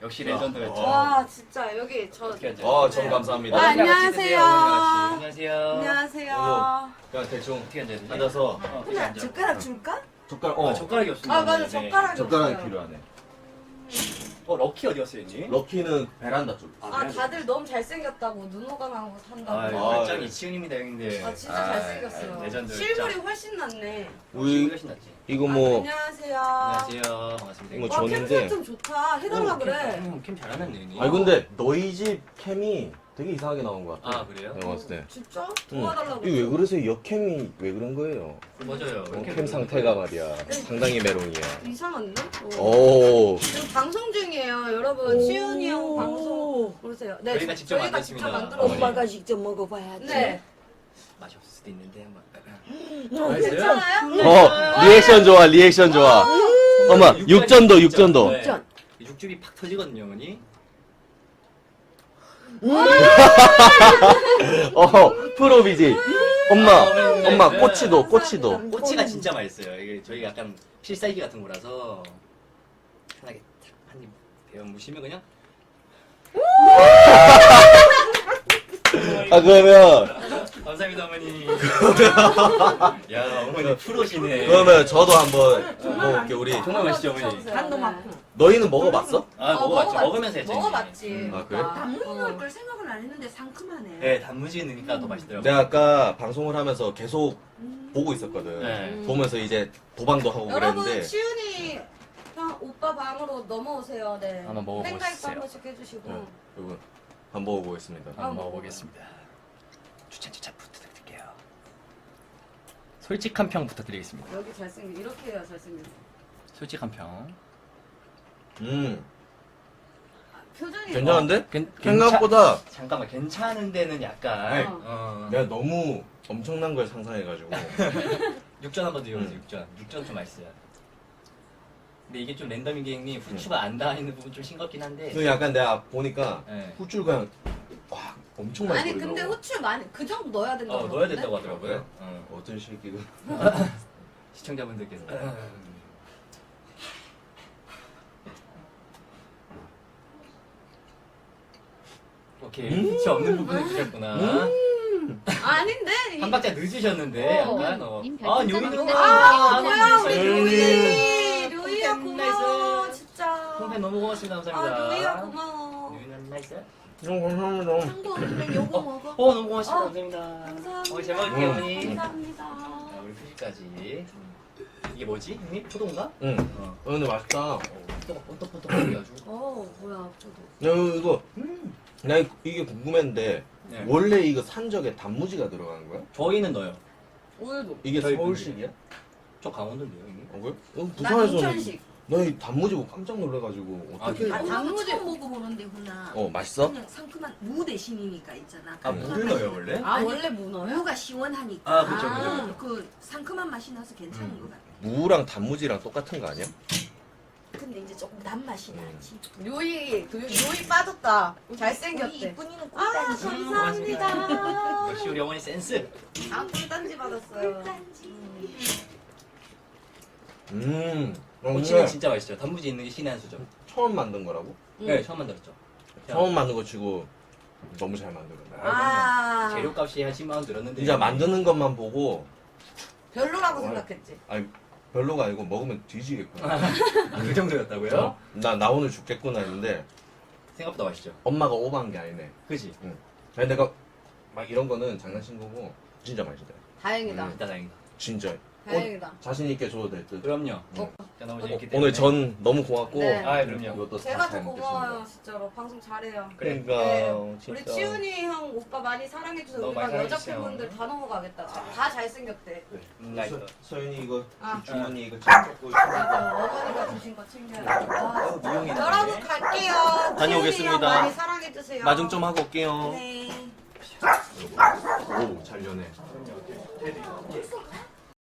역시 레전드였죠. 와 진짜 여기 저. 전 감사합니다. 안녕하세요. 안녕하세요. 안녕하세요. 그냥 대충 어떻게 앉아야 되지? 앉아서 어떻게 앉아? 젓가락 줄까? 젓가락 젓가락이 없습니다. 아 맞아 네. 젓가락이 젓가락이 없어요. 필요하네. 럭키 어디 갔어요, 형님? 럭키는 베란다 쪽. 아 다들 너무 잘생겼다고 눈호강 하고 산다고. 아, 완전히 치훈입니다, 형님들. 아 진짜 잘생겼어요. 레전드. 실물이 훨씬 낫네. 우리 훨씬 낫지. 이거 안녕하세요. 안녕하세요. 반갑습니다. 이거 와 줬는데. 캠 설정 좋다. 해달라 그래. 캠 잘하는데, 형님. 아니 근데 너희 집 캠이 되게 이상하게 나온 것 같아. 아, 그래요? 내가 봤을 때. 진짜? 응. 도와달라고. 이거 왜 그러세요? 역캠이 왜 그런 거예요? 맞아요. 캠 상태가 말이야. 상당히 메롱이야. 이상한데? 오. 지금 방송 중이에요. 여러분 치훈이 형 방송 보세요. 네, 저희가 직접 만들었습니다. 만들었어요. 엄마가 직접 먹어봐야지. 네. 맛이 없을 수도 있는데 한번. 괜찮아요? 리액션 좋아, 리액션 좋아. 엄마, 육전도, 육전도. 네. 육전. 육즙이 팍 터지거든요, 어머니. 프로비지. 엄마, 꼬치도, 꼬치도. 꼬치가 진짜 맛있어요. 이게 저희 약간 필살기 같은 거라서 편하게 한입 베어 무시면 그냥. 아, 그러면, 감사합니다, 어머니. 야, 어머니 프로시네. 그러면 저도 한번 먹어볼게요, 우리. 정말 맛있죠, 어머니. 간도 많고. 너희는 먹어봤어? 아, 먹어봤죠. 먹으면서 했죠. 먹어봤지. 아, 그래? 단무지 넣을 걸 생각은 안 했는데 상큼하네. 네, 단무지 넣으니까 더 맛있더라고요. 내가 아까 방송을 하면서 계속 보고 있었거든. 네. 보면서 이제 도방도 하고 여러분 그랬는데. 치훈이 형 오빠 방으로 넘어오세요. 네. 한번 먹어보세요. 팬가입도 한 번씩 해주시고. 네, 여러분, 한번 먹어보겠습니다. 한번 먹어보겠습니다. 추천 부탁드릴게요. 솔직한 평 부탁드리겠습니다. 여기 잘생긴 이렇게 해야 잘생긴. 솔직한 평. 표정이. 괜찮은데? 괜- 생각보다 잠깐만, 괜찮은 데는 약간. 어. 내가 너무 엄청난 걸 상상해가지고. 육전 한번 드려보세요. 육전 좀 맛있어요. 근데 이게 좀 랜덤인 게 형님 후추가 안 닿아있는 부분 좀 싱겁긴 한데. 그 약간 내가 보니까 네. 후추를 그냥 와 엄청 많이 아니 뿌리더라고. 근데 후추 많이 그 정도 넣어야 된다고. 넣어야 그러던데? 된다고 하더라고요. 어떤 새끼가. 시청자분들께서. 오케이. 후추 없는 부분을 드셨구나. 아닌데. 한 박자 늦으셨는데 어. 약간 님 아 별풍선 요이는 아 뭐야 우리 요이. 루이. 루이야 콩 고마워 나이스. 진짜. 콩팬 너무 고맙습니다. 아 감사합니다. 루이야 고마워. 요이는 나이스. 감사합니다. 창고 근데 요거 먹어. 너무 고맙습니다. 어. 감사합니다. 감사합니다. 잘 먹을게요 어머니. 감사합니다. 자, 우리 표시까지. 이게 뭐지? 형님? 포도인가? 응. 어. 근데 맛있다. 포도가 번떡번떡 거려가지고. 뭐야 저도. 야 이거 나 이게 궁금했는데 네. 원래 이거 산적에 단무지가 들어가는 거야? 저희는 넣어요. 오늘도. 이게 저희 서울식이야? 저 강원도인데요, 형님. 어 그래? 난 부산에서는 인천식. 나이 단무지 보고 깜짝 놀라가지고 어떻게? 아, 단무지 처음 먹어보는데 훈아. 맛있어? 그냥 상큼한 무 대신이니까 있잖아. 아, 물을 넣어요, 원래? 아 원래 문어요? 무가 시원하니까. 아, 그쵸. 그 상큼한 맛이 나서 괜찮은 것 같아. 무랑 단무지랑 똑같은 거 아니야? 근데 이제 조금 단맛이 나지. 요이 요이 빠졌다. 잘생겼대. 이쁜이는 아 꿀단지. 감사합니다. 역시 우리 어머니 센스. 아 꿀단지 받았어요. 꼬치는 진짜 맛있죠. 단무지 있는 게 신의 한 수죠. 처음 만든 거라고? 네, 처음 만들었죠. 처음 만든 거 치고 너무 잘 만들었네. 아 재료값이 한 10만 원 들었는데. 진짜 만드는 것만 보고 별로라고 생각했지. 아니 별로가 아니고 먹으면 뒤지겠구나. 그 정도였다고요? 나 오늘 죽겠구나 했는데 생각보다 맛있죠. 엄마가 오버한 게 아니네. 그지? 아니 내가 막 이런 거는 장난친 거고 진짜 맛있다. 다행이다. 진짜 다행이다. 진짜. 다행이다. 자신 있게 줘도 될 듯. 그럼요. 어. 자, 너무 재밌기 때문에. 오늘 전 너무 고맙고 네. 아, 그럼요. 이것도 제가 다 더 잘 고마워요 먹겠습니다. 진짜로 방송 잘해요. 그러니까 네. 진짜. 우리 치훈이 형 오빠 많이 사랑해주세요. 너무 우리 막 많이 여자 사랑해주세요. 팬분들 다 넘어가겠다. 다 잘생겼대. 나이스. 서윤이 이거 아. 주머니 이거 챙겼고 맞아 어머니가 주신 거 챙겨야지. 아, 무용이네. 여러분 갈게요. 다녀오겠습니다. 치훈이 형 많이 사랑해주세요. 마중 좀 하고 올게요. 네. 오, 잘 연해.